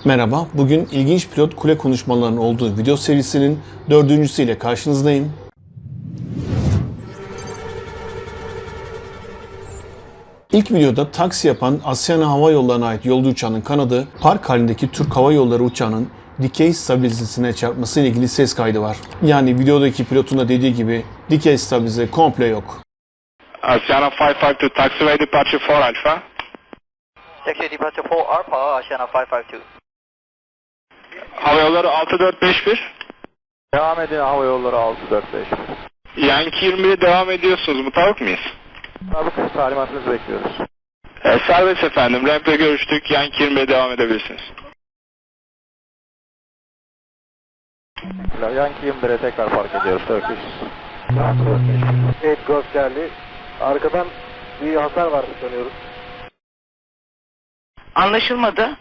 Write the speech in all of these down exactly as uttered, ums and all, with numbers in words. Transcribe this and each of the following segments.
Merhaba, bugün ilginç pilot kule konuşmalarının olduğu video serisinin dördüncüsüyle karşınızdayım. İlk videoda taksi yapan Asyana Hava Yolları'na ait yolcu uçağının kanadı, park halindeki Türk Hava Yolları uçağının dikey stabilizesine çarpması ile ilgili ses kaydı var. Yani videodaki pilotun da dediği gibi dikey stabilize komple yok. Asyana beş beş iki, taxiway departure four Alpha. Taxi departure four Alpha, Asyana beş beş iki. Hava yolları altı dört beş bir. Devam edin hava yolları altı dört beş bir. Yankee yirmi bire devam ediyorsunuz, mutabık mıyız? Tabii talimatınızı bekliyoruz. E, serbest efendim, ramp'le görüştük, Yankee yirmi bire devam edebilirsiniz. Yankee yirmi bire tekrar park ediyoruz. Turkish. Evet, Gulf Charlie. Arkadan bir hasar var sanıyoruz. Anlaşılmadı.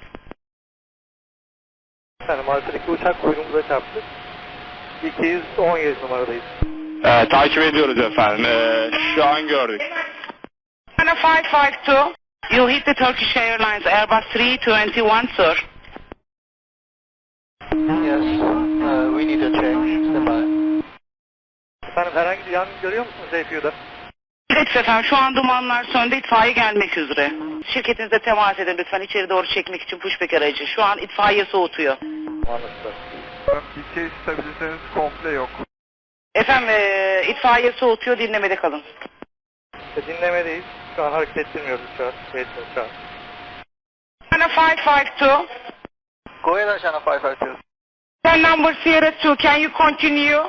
Efendim arkadaki uçak kuyruğumuza çarptı. iki yüz on yedi numaradayız. E, takip ediyoruz efendim, e, şu an gördük. Asyana beş beş iki, you hit the Turkish Airlines Airbus three twenty-one, sir. Yes, uh, we need a change. Stand by. Efendim herhangi bir yangın görüyor musunuz A P U'da? Evet efendim, şu an dumanlar söndü, itfaiye gelmek üzere. Şirketinize temas edin lütfen, içeri doğru çekmek için pushback aracı. Şu an itfaiye soğutuyor. Anlaşıldı. Dikey stabilizeniz komple yok. Efendim e, itfaiye soğutuyor, dinlemede kalın. E, dinlemedeyiz. Şu an hareket ettirmiyoruz şu an. Etmiyoruz şu an. Asyana beş beş iki, Go ahead Asyana beş beş iki. ten number Sierra two, can you continue?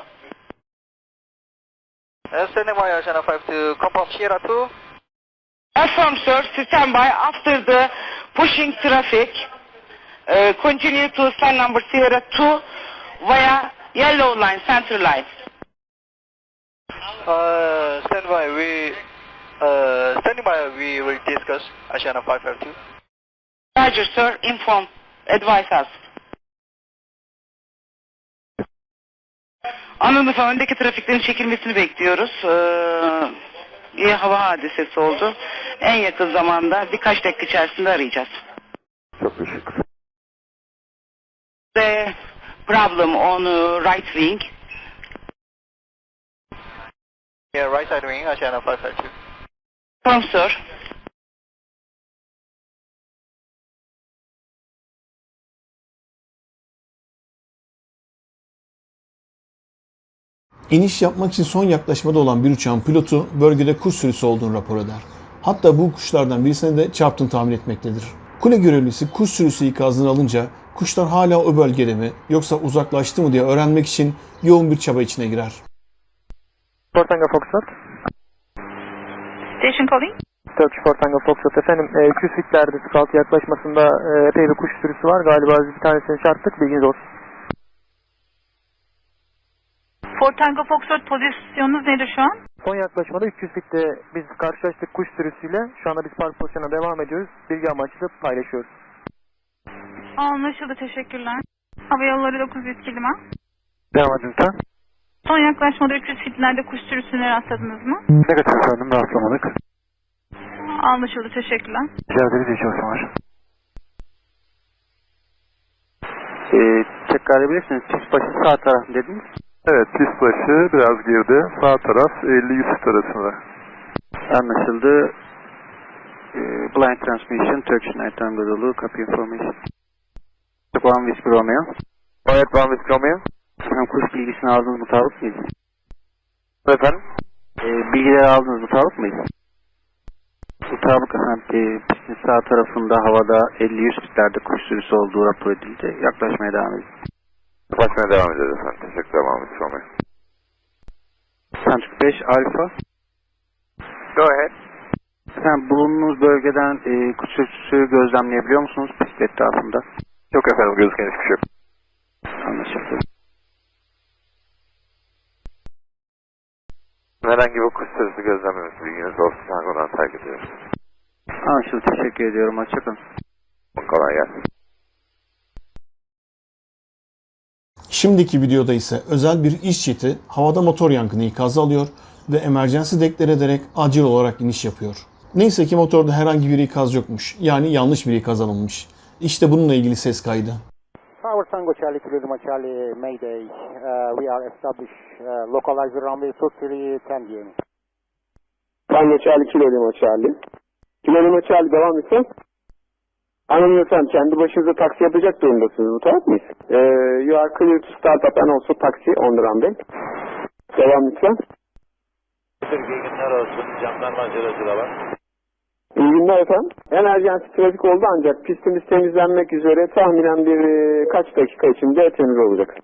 Uh, standing by Asyana beş to confirm Sierra two. Affirm sir, stand by after the pushing traffic. Uh, continue to stand number Sierra two via yellow line, center line. Uh, stand by. We uh, standing by. We will discuss Asyana beş beş iki. Roger sir, inform, advise us. Anladım efendim, öndeki trafiklerin çekilmesini bekliyoruz. Ee, bir hava hadisesi oldu. En yakın zamanda birkaç dakika içerisinde arayacağız. Çok teşekkür. The problem on uh, right wing. Yeah, right side wing Asyana beş beş iki. Confirm sir. İniş yapmak için son yaklaşmada olan bir uçağın pilotu bölgede kuş sürüsü olduğunu rapor eder. Hatta bu kuşlardan birisine de çarptığını tahmin etmektedir. Kule görevlisi kuş sürüsü ikazını alınca kuşlar hala o bölgede mi yoksa uzaklaştı mı diye öğrenmek için yoğun bir çaba içine girer. Fort Tango Foxtrot. Station calling. Turkish Fort Tango Foxtrot efendim. E, iki yüz fitlerde sıfır altı yaklaşmasında e, epey bir kuş sürüsü var. Galiba biz bir tanesini çarptık. Bilginiz olsun. Fort Tango Foxtrot, pozisyonunuz nedir şu an? Son yaklaşmada üç yüz fitte biz karşılaştık kuş sürüsüyle. Şu anda biz park pozisyonuna devam ediyoruz. Bilgi amaçlı paylaşıyoruz. Anlaşıldı, teşekkürler. Hava yolları dokuz yüz kilima. Devam edin lütfen. Son yaklaşmada üç yüz fitlerde kuş sürüsüne rastladınız mı? Negatif efendim, rastlamadık. Anlaşıldı, teşekkürler. Rica ederiz, iyi çalışmalar. Ee, tekrar edebilirsiniz. Pist başı sağ taraf dediniz. Evet, pist başı biraz geride. Sağ taraf elli yüz fit arasında. Anlaşıldı. Ee, blind transmission, Turkish Night Tango Zulu, copy information. One Whisper Romeo. Evet, Van West Romeo. Efendim kuş bilgisini aldınız, mutabık mıyız? Efendim? Ee, bilgileri aldınız, mutabık mıyız? Mutabık efendim. E, pistin sağ tarafında havada elli yüz fitlerde kuş sürüsü olduğu rapor edildi. Yaklaşmaya devam edin. Başmaya devam edeceğiz efendim. Teşekkürler Van West Romeo. Santik beş Alfa. Go ahead. Efendim bulunduğunuz bölgeden e, kuş sürüsü gözlemleyebiliyor musunuz pist etrafında? Yok efendim, gözüken hiçbir şey yok. Anlaşıldı. Herhangi bir kuş sürüsü gözlemlemesi bilginiz olsun. Tango'dan takip ediyoruz. Anlaşıldı, teşekkür ediyorum. Hoşçakalın. Kolay gelsin. Şimdiki videoda ise özel bir iş jeti havada motor yangını ikazı alıyor ve emergency deklar ederek acil olarak iniş yapıyor. Neyse ki motorda herhangi bir ikaz yokmuş. Yani yanlış bir ikaz alınmış. İşte bununla ilgili ses kaydı. Tower Tango Charlie, Kilo Lima Charlie, Mayday. Uh, we are established, uh, localized runway two three ten G M. Tango Charlie, Kilo Lima Charlie. Kilo Lima Charlie devam etsin. Anladım efendim, kendi başınıza taksi yapacak durumdasınız, mutabık mıyız? Ee, you are clear to start up and also taxi on the runway. Devam lütfen. İyi günler olsun, jandarma aracılığı var. İyi günler efendim. Emergency trafik oldu ancak pistimiz temizlenmek üzere tahminen bir e, kaç dakika içinde temiz olacak.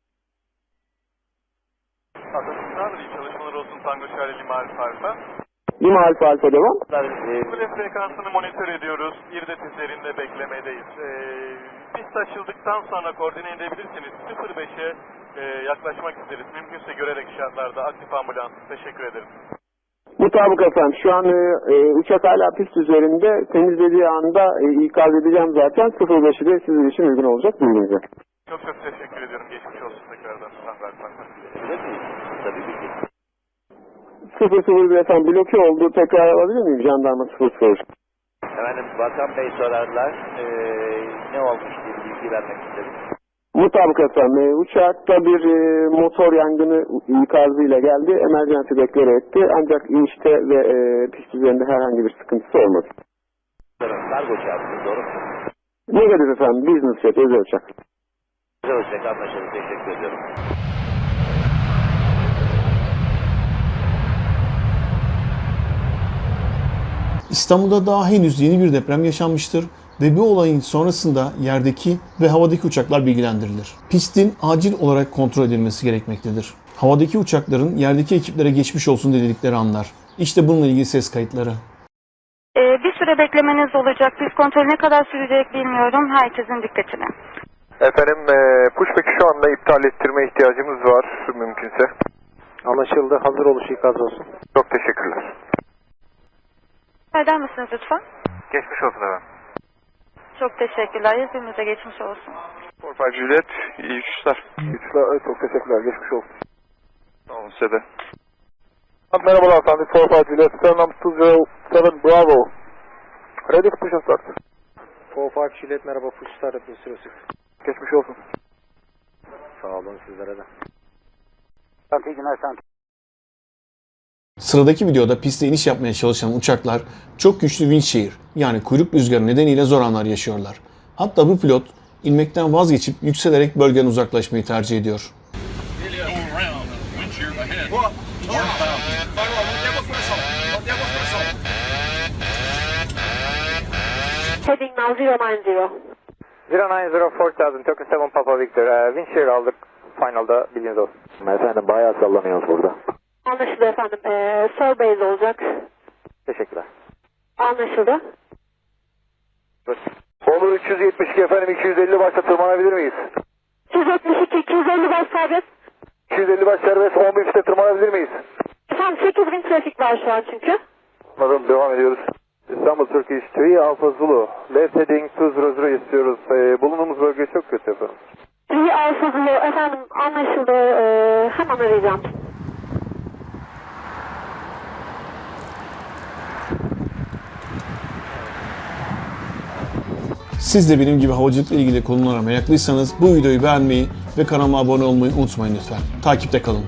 Atatürk'ten iyi çalışmalar olsun Tango Charlie Lima Alfa Alfa. Lima Alfa Alfa devam. Kule frekansını monitör ediyoruz. Bir de üzerinde beklemedeyiz. Ee, pist açıldıktan sonra koordine edebilirsiniz. sıfır beşe e, yaklaşmak isteriz. Mümkünse görerek şartlarda aktif ambulans. Teşekkür ederim. Mutabık efendim. Şu an e, e, uçak hala pist üzerinde. Temizlediği anda e, ikaz edeceğim zaten. sıfır beşi de sizin için uygun olacak bilginize. Çok çok teşekkür ediyorum. Geçmiş olsun tekrardan. Tango Alfa Alfa. Tabii ki. sıfır sıfır bir efendim bloke oldu. Tekrar alabilir miyim jandarma sıfır sıfır? Efendim Bakan Bey sorarlar, ee, ne olmuş diye bilgi vermek istedim. Mutabık efendim. E, uçakta bir e, motor yangını ikazıyla geldi. Emergency deklare etti. Ancak inişte ve e, pist üzerinde herhangi bir sıkıntısı olmadı. Kargo çağrısı, doğru mu? Negatif efendim. Business jet, özel uçak. Güzel olacak, anlaşıldı. Teşekkür ediyorum. İstanbul'da daha henüz yeni bir deprem yaşanmıştır ve bu olayın sonrasında yerdeki ve havadaki uçaklar bilgilendirilir. Pistin acil olarak kontrol edilmesi gerekmektedir. Havadaki uçakların yerdeki ekiplere geçmiş olsun dedikleri anlar. İşte bununla ilgili ses kayıtları. Ee, bir süre beklemeniz olacak. Biz kontrol ne kadar sürecek bilmiyorum. Herkesin dikkatine. Efendim e, pushback'i şu anda iptal ettirme ihtiyacımız var mümkünse. Anlaşıldı. Hazır oluş ikaz olsun. Çok teşekkürler. Eder misiniz lütfen? Geçmiş olsun efendim. Çok teşekkürler. Hepimize geçmiş olsun. Forfar Juliet, iyi uçuşlar. Uçuşlar, evet, çok teşekkürler. Geçmiş olsun. Sağ olun size de. Merhabalar efendim. Forfar Juliet, Sternum iki sıfır yedi Bravo. Ready for push and start. Forfar Juliet merhaba, push start yapıyoruz. Geçmiş olsun. Sağ olun sizlere de. İyi günler efendim. Sıradaki videoda piste iniş yapmaya çalışan uçaklar çok güçlü wind shear yani kuyruk rüzgarı nedeniyle zor anlar yaşıyorlar. Hatta bu pilot inmekten vazgeçip yükselerek bölgeden uzaklaşmayı tercih ediyor. Heading now zero nine zero. zero nine zero four thousand, Tokyo seven Papa Victor. Uh, wind shear aldık. Finalda bilginiz olsun. Efendim bayağı sallanıyoruz burada. Anlaşıldı efendim. Ee, Survey'de olacak. Teşekkürler. Anlaşıldı. Olur üç yüz yetmiş iki efendim, iki yüz elli başta tırmanabilir miyiz? iki yüz yetmiş iki, iki yüz elli baş serbest. iki yüz elli baş serbest, on bin üstte tırmanabilir miyiz? Efendim sekiz bin trafik var şu an çünkü. Anladım, devam ediyoruz. İstanbul Turkish üç Alfa Zulu. Left heading iki yüz istiyoruz. Ee, bulunduğumuz bölge çok kötü efendim. üç Alfa Zulu efendim anlaşıldı. Ee, hemen arayacağım. Siz de benim gibi havacılıkla ilgili konulara meraklıysanız bu videoyu beğenmeyi ve kanalıma abone olmayı unutmayın lütfen. Takipte kalın.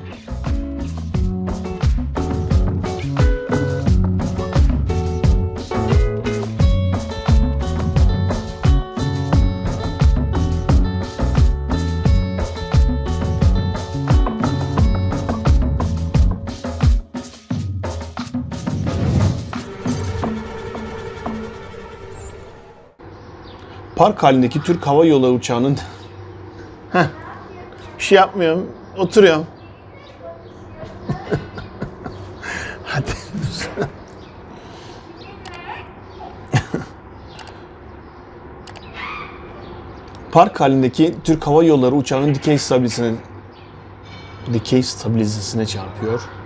Park halindeki Türk Hava Yolları uçağının Heh, bir şey yapmıyorum, oturuyorum. Hadi. Park halindeki Türk Hava Yolları uçağının dikey stabilizesine dikey stabilizesine çarpıyor.